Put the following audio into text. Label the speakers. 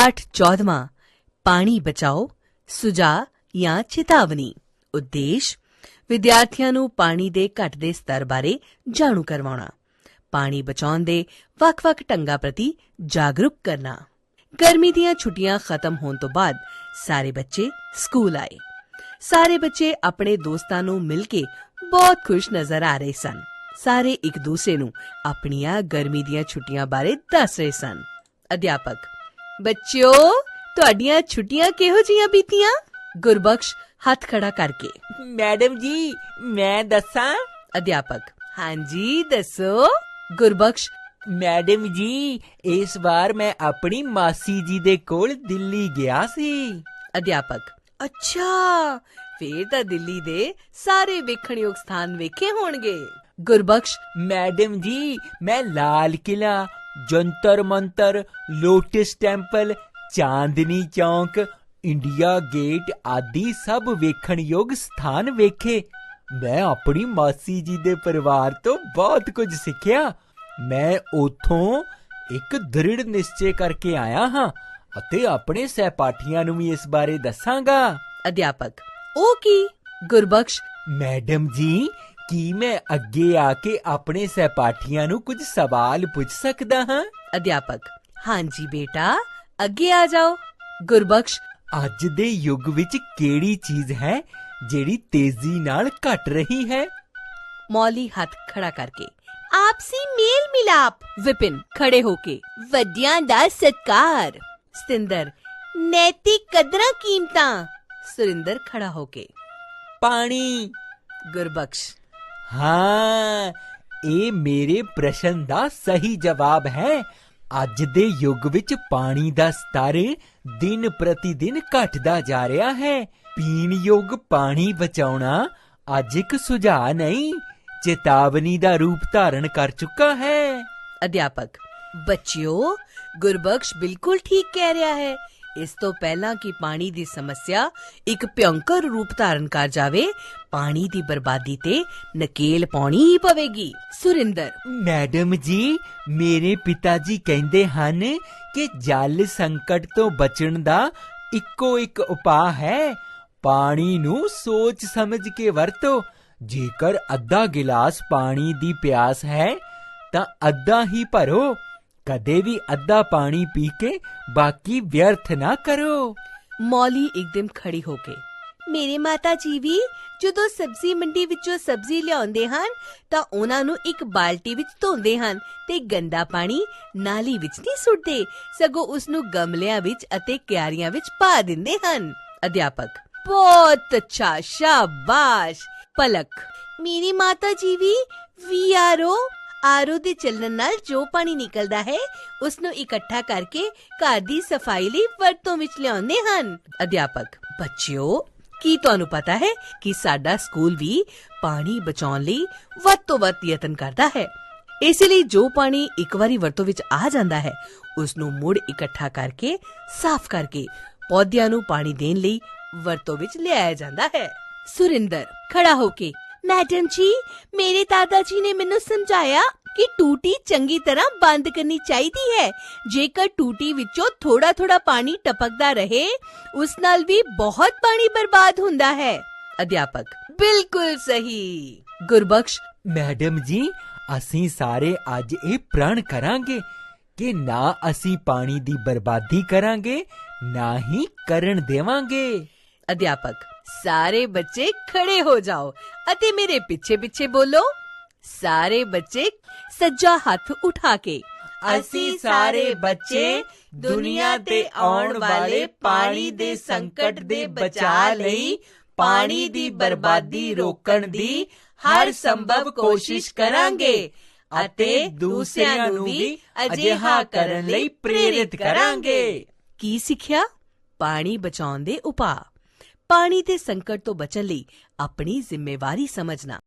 Speaker 1: पाठ 14वां पानी बचाओ सुझाव या चेतावनी। उद्देश विद्यार्थियों ਨੂੰ ਪਾਣੀ ਦੇ ਘਟਦੇ ਸਤਰ ਬਾਰੇ ਜਾਣੂ ਕਰਵਾਉਣਾ, ਪਾਣੀ ਬਚਾਉਣ ਦੇ ਵੱਖ-ਵੱਖ ਢੰਗਾਂ ਪ੍ਰਤੀ ਜਾਗਰੂਕ ਕਰਨਾ। ਗਰਮੀ ਦੀਆਂ ਛੁੱਟੀਆਂ ਖਤਮ ਹੋਣ ਤੋਂ ਬਾਅਦ ਸਾਰੇ ਬੱਚੇ ਸਕੂਲ ਆਏ। ਸਾਰੇ ਬੱਚੇ ਆਪਣੇ ਦੋਸਤਾਂ ਨੂੰ ਮਿਲ ਕੇ ਬਹੁਤ ਖੁਸ਼ ਨਜ਼ਰ ਆ ਰਹੇ ਸਨ। ਸਾਰੇ ਇੱਕ ਦੂਸਰੇ ਨੂੰ ਆਪਣੀਆਂ ਗਰਮੀ ਦੀਆਂ ਛੁੱਟੀਆਂ ਬਾਰੇ ਦੱਸ ਰਹੇ ਸਨ। ਅਧਿਆਪਕ, ਬੱਚਿਓ ਤੁਹਾਡੀਆਂ ਛੁੱਟੀਆਂ ਕਿਹੋ ਜਿਹੀਆਂ ਬੀਤੀਆਂ? ਗੁਰਬਖਸ਼ ਹੱਥ ਖੜਾ ਕਰਕੇ।
Speaker 2: मैडम जी मैं दसा।
Speaker 1: अध्यापक, हाँ जी दसो। गुरबख्श,
Speaker 2: मैडम जी इस बार मैं अपनी मासी जी दे कोल दिल्ली गया सी।
Speaker 1: अध्यापक, अच्छा फिर तां दिल्ली दे सारे वेखणयोग स्थान वेखे होणगे। गुरबख्श,
Speaker 2: मैडम जी मैं Lal Qila, Jantar Mantar, Lotus Temple, Chandni Chowk, India Gate आदि सब वेखणयोग स्थान वेखे। मैं अपनी मासी जी दे परिवार तो बहुत कुछ सिੱਖਿਆ। मैं उथों एक दृढ़ निश्चय करके आया हाँ ਅਤੇ ਆਪਣੇ ਸਹਿਪਾਠੀਆਂ ਨੂੰ ਵੀ ਇਸ ਬਾਰੇ ਦੱਸਾਂਗਾ।
Speaker 1: ਅਧਿਆਪਕ, ਉਹ ਕੀ? ਗੁਰਬਖਸ਼,
Speaker 2: ਮੈਡਮ ਜੀ ਕੀ ਮੈਂ ਅੱਗੇ ਆ ਕੇ ਆਪਣੇ ਸਹਿਪਾਠੀਆਂ ਨੂੰ ਕੁਝ ਸਵਾਲ ਪੁੱਛ ਸਕਦਾ ਹਾਂ?
Speaker 1: ਅਧਿਆਪਕ, ਹਾਂਜੀ ਬੇਟਾ ਅੱਗੇ ਆ ਜਾਓ। ਗੁਰਬਖਸ਼,
Speaker 2: ਅੱਜ ਦੇ ਯੁੱਗ ਵਿੱਚ ਕਿਹੜੀ ਚੀਜ਼ ਹੈ ਜਿਹੜੀ ਤੇਜ਼ੀ ਨਾਲ ਘਟ ਰਹੀ ਹੈ?
Speaker 1: ਮੌਲੀ ਹੱਥ ਖੜਾ ਕਰਕੇ। ਆਪਸੀ ਮੇਲ ਮਿਲਾਪ। ਵਿਪਿਨ ਖੜੇ ਹੋ ਕੇ। ਵੱਡਿਆਂ ਦਾ ਸਤਿਕਾਰ। ਸਤਿੰਦਰ, ਨੈਤਿਕ ਕਦਰਾਂ ਕੀਮਤਾਂ। ਸੁਰਿੰਦਰ ਖੜਾ ਹੋ ਕੇ।
Speaker 2: ਪਾਣੀ।
Speaker 1: ਗੁਰਬਖਸ਼,
Speaker 2: ਹਾਂ ਇਹ ਮੇਰੇ ਪ੍ਰਸ਼ਨ ਦਾ ਸਹੀ ਜਵਾਬ ਹੈ। ਅੱਜ ਦੇ ਯੁੱਗ ਵਿੱਚ ਪਾਣੀ ਦਾ ਸਤਰ ਦਿਨ ਪ੍ਰਤੀ ਦਿਨ ਘਟਦਾ ਜਾ ਰਿਹਾ ਹੈ। ਪੀਣ ਯੋਗ ਪਾਣੀ ਬਚਾਉਣਾ ਅੱਜ ਇੱਕ ਸੁਝਾਅ ਨਹੀਂ, ਚੇਤਾਵਨੀ ਦਾ ਰੂਪ ਧਾਰਨ ਕਰ ਚੁੱਕਾ ਹੈ।
Speaker 1: ਅਧਿਆਪਕ, ਬੱਚਿਓ ਗੁਰਬਖਸ਼ ਬਿਲਕੁਲ ਠੀਕ ਕਹਿ ਰਿਹਾ ਹੈ। ਇਸ ਤੋਂ ਪਹਿਲਾਂ ਕਿ ਪਾਣੀ ਦੀ ਸਮੱਸਿਆ ਇੱਕ ਭਿਅੰਕਰ ਰੂਪ ਧਾਰਨ ਕਰ ਜਾਵੇ, ਪਾਣੀ ਦੀ ਬਰਬਾਦੀ ਤੇ ਨਕੇਲ ਪਾਉਣੀ ਹੀ ਪਵੇਗੀ। ਸੁਰਿੰਦਰ,
Speaker 2: ਮੈਡਮ ਜੀ ਮੇਰੇ ਪਿਤਾ ਜੀ ਕਹਿੰਦੇ ਹਨ ਕਿ ਜਲ ਸੰਕਟ ਤੋਂ ਬਚਣ ਦਾ ਇੱਕੋ ਇੱਕ ਉਪਾਅ ਹੈ, ਪਾਣੀ ਨੂੰ ਸੋਚ ਸਮਝ ਕੇ ਵਰਤੋ। ਜੇਕਰ ਅੱਧਾ ਗਿਲਾਸ ਪਾਣੀ ਦੀ ਪਿਆਸ ਹੈ ਤਾਂ ਅੱਧਾ ਹੀ ਭਰੋ। ਕਦੇ ਵੀ ਅੱਧਾ ਪਾਣੀ ਪੀ ਕੇ ਬਾਕੀ ਵਿਅਰਥ ਨਾ ਕਰੋ।
Speaker 1: ਮੌਲੀ ਇੱਕਦਮ ਖੜੀ ਹੋ ਕੇ। ਮੇਰੇ ਮਾਤਾ ਜੀ ਵੀ ਜਦੋਂ ਸਬਜ਼ੀ ਮੰਡੀ ਵਿੱਚੋਂ ਸਬਜ਼ੀ ਲਿਆਉਂਦੇ ਹਨ ਤਾਂ ਉਹਨਾਂ ਨੂੰ ਇੱਕ ਬਾਲਟੀ ਵਿੱਚ ਧੋਂਦੇ ਹਨ ਤੇ ਗੰਦਾ ਪਾਣੀ ਨਾਲੀ ਵਿੱਚ ਨਹੀਂ ਸੁੱਟਦੇ, ਸਗੋਂ ਉਸ ਨੂੰ ਗਮਲਿਆਂ ਵਿੱਚ ਅਤੇ ਕਿਆਰੀਆਂ ਵਿੱਚ ਪਾ ਦਿੰਦੇ ਹਨ। ਅਧਿਆਪਕ, ਬਹੁਤ ਅੱਛਾ, ਸ਼ਾਬਾਸ਼। ਪਲਕ, ਮੇਰੀ ਮਾਤਾ ਜੀ ਵੀ ਆਰਓ ਦੇ ਚੱਲਣ ਨਾਲ ਜੋ ਪਾਣੀ ਨਿਕਲਦਾ ਹੈ ਉਸ ਨੂੰ ਇਕੱਠਾ ਕਰਕੇ ਘਰ ਦੀ ਸਫਾਈ ਲਈ ਵਰਤੋਂ ਵਿੱਚ ਲਿਆਉਂਦੇ ਹਨ। ਅਧਿਆਪਕ, ਬੱਚਿਓ ਕੀ ਤੁਹਾਨੂੰ ਪਤਾ ਹੈ ਕਿ ਸਾਡਾ ਸਕੂਲ ਵੀ ਪਾਣੀ ਬਚਾਉਣ ਲਈ ਵੱਧ ਤੋਂ ਵੱਧ ਯਤਨ ਕਰਦਾ ਹੈ। ਇਸੇ ਲਈ ਜੋ ਪਾਣੀ ਇੱਕ ਵਾਰੀ ਵਰਤੋਂ ਵਿੱਚ ਆ ਜਾਂਦਾ ਹੈ ਉਸ ਨੂੰ ਮੁੜ ਇਕੱਠਾ ਕਰਕੇ ਸਾਫ਼ ਕਰਕੇ ਪੌਦਿਆਂ ਨੂੰ ਪਾਣੀ ਦੇਣ ਲਈ ਵਰਤੋਂ ਵਿੱਚ ਲਿਆਇਆ ਜਾਂਦਾ ਹੈ। ਸੁਰਿੰਦਰ ਖੜਾ ਹੋ ਕੇ। ਮੈਡਮ ਜੀ ਮੇਰੇ ਦਾਦਾ ਜੀ ਨੇ ਮੈਨੂੰ ਸਮਝਾਇਆ ਕਿ ਟੂਟੀ ਚੰਗੀ ਤਰ੍ਹਾਂ ਬੰਦ ਕਰਨੀ ਚਾਹੀਦੀ ਹੈ। ਜੇਕਰ ਟੂਟੀ ਵਿੱਚੋਂ ਥੋੜਾ ਥੋੜਾ ਪਾਣੀ ਟਪਕਦਾ ਰਹੇ ਉਸ ਨਾਲ ਵੀ ਬਹੁਤ ਪਾਣੀ ਬਰਬਾਦ ਹੁੰਦਾ ਹੈ। ਅਧਿਆਪਕ, ਬਿਲਕੁਲ ਸਹੀ। ਗੁਰਬਖਸ਼,
Speaker 2: ਮੈਡਮ ਜੀ ਅਸੀਂ ਸਾਰੇ ਅੱਜ ਇਹ ਪ੍ਰਣ ਕਰਾਂਗੇ ਕਿ ਨਾ ਅਸੀਂ ਪਾਣੀ ਦੀ ਬਰਬਾਦੀ ਕਰਾਂਗੇ ਨਾ ਹੀ ਕਰਨ ਦੇਵਾਂਗੇ।
Speaker 1: ਅਧਿਆਪਕ, ਸਾਰੇ ਬੱਚੇ ਖੜੇ ਹੋ ਜਾਓ ਅਤੇ ਮੇਰੇ ਪਿੱਛੇ ਪਿੱਛੇ ਬੋਲੋ। ਸਾਰੇ ਬੱਚੇ ਸੱਜਾ ਹੱਥ ਉਠਾ ਕੇ।
Speaker 2: ਅਸੀਂ ਸਾਰੇ ਬੱਚੇ ਦੁਨੀਆ ਤੇ ਆਉਣ ਵਾਲੇ ਪਾਣੀ ਦੇ ਸੰਕਟ ਦੇ ਬਚਾਅ ਲਈ ਪਾਣੀ ਦੀ ਬਰਬਾਦੀ ਰੋਕਣ ਦੀ ਹਰ ਸੰਭਵ ਕੋਸ਼ਿਸ਼ ਕਰਾਂਗੇ ਅਤੇ ਦੂਸਰਿਆਂ ਨੂੰ ਵੀ ਅਜਿਹਾ ਕਰਨ ਲਈ ਪ੍ਰੇਰਿਤ ਕਰਾਂਗੇ।
Speaker 1: ਕੀ ਸਿੱਖਿਆ? ਪਾਣੀ ਬਚਾਉਣ ਦੇ ਉਪਾਅ। ਪਾਣੀ ਦੇ ਸੰਕਟ ਤੋਂ ਬਚਣ ਲਈ ਆਪਣੀ ਜ਼ਿੰਮੇਵਾਰੀ ਸਮਝਣਾ।